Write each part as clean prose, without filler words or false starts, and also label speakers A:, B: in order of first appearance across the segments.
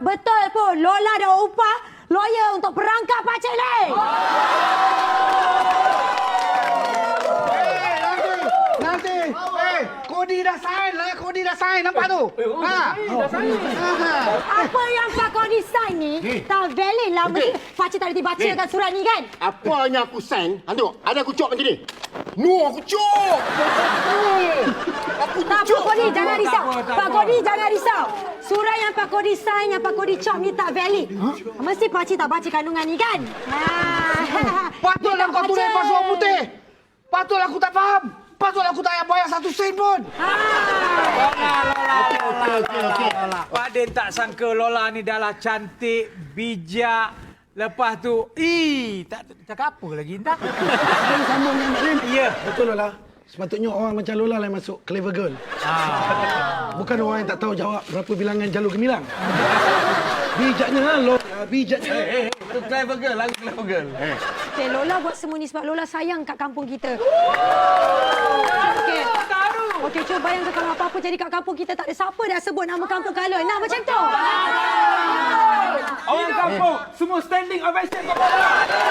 A: Betul pun, Lola dah upah lawyer untuk perangkap Pakcik Leh.
B: Nanti. Kodi dah sign lah. Kodi dah sign. Nampak tu?
A: Apa yang Pak Kodi sign ni, tak valid lah. Mesti Pakcik tak dibacakan surat ni kan?
C: Apa yang aku sign? Tengok, ada aku cop macam ni. No, aku cop. Aku
A: Tak apa
C: cop.
A: Kodi, jangan risau. Pak Kodi, jangan risau. Surat yang Pak Kodi sign, yang Pak Kodi cop ni tak valid. Mesti Pakcik tak baca kandungan ni kan?
B: Patutlah kau tulis password putih. Patutlah aku tak faham. Patutlah aku tak payah bayar 1 sen pun.
D: Lola. Pak Din tak sangka Lola ni dah lah cantik, bijak. Lepas tu, tak cakap apa lagi entah.
E: Sambung dengan Mak Lim.
D: Ya.
E: Betul Lola. Sepatutnya orang macam Lola lah yang masuk Clever Girl. Bukan orang yang tak tahu jawab berapa bilangan jalur gemilang. Bijaknya Lola, bijaknya.
D: Itu clever girl, lagu clever girl.
A: Okay, Lola buat semua ni sebab Lola sayang kat kampung kita. Okey. Okey, cuba bayangkan kalau apa-apa jadi kat kampung kita, tak ada siapa dah sebut nama kampung Kalon. Nah, macam tu.
D: Orang kampung, semua standing ovation kepada.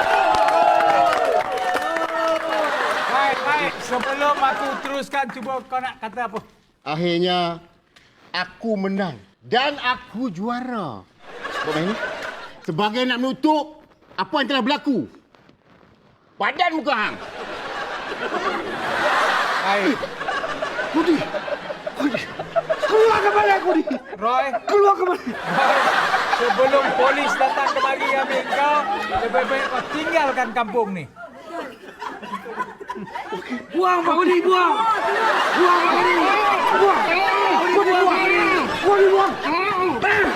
D: Baik. Sebelum aku teruskan, cuba kau nak kata apa?
C: Akhirnya, aku menang. Dan aku juara. Sebab ini, sebagai nak menutup apa yang telah berlaku. Padan muka hang.
D: Baik.
B: Kodi. Keluar kembali Kodi.
D: Roy,
B: Keluar kembali.
D: sebelum polis datang kemari ambil kau, lebih baik kau tinggalkan kampung ni.
B: Buang Pak Kodi, buang. Buang Pak Kodi. Buang. Kodi buang. Kodi buang.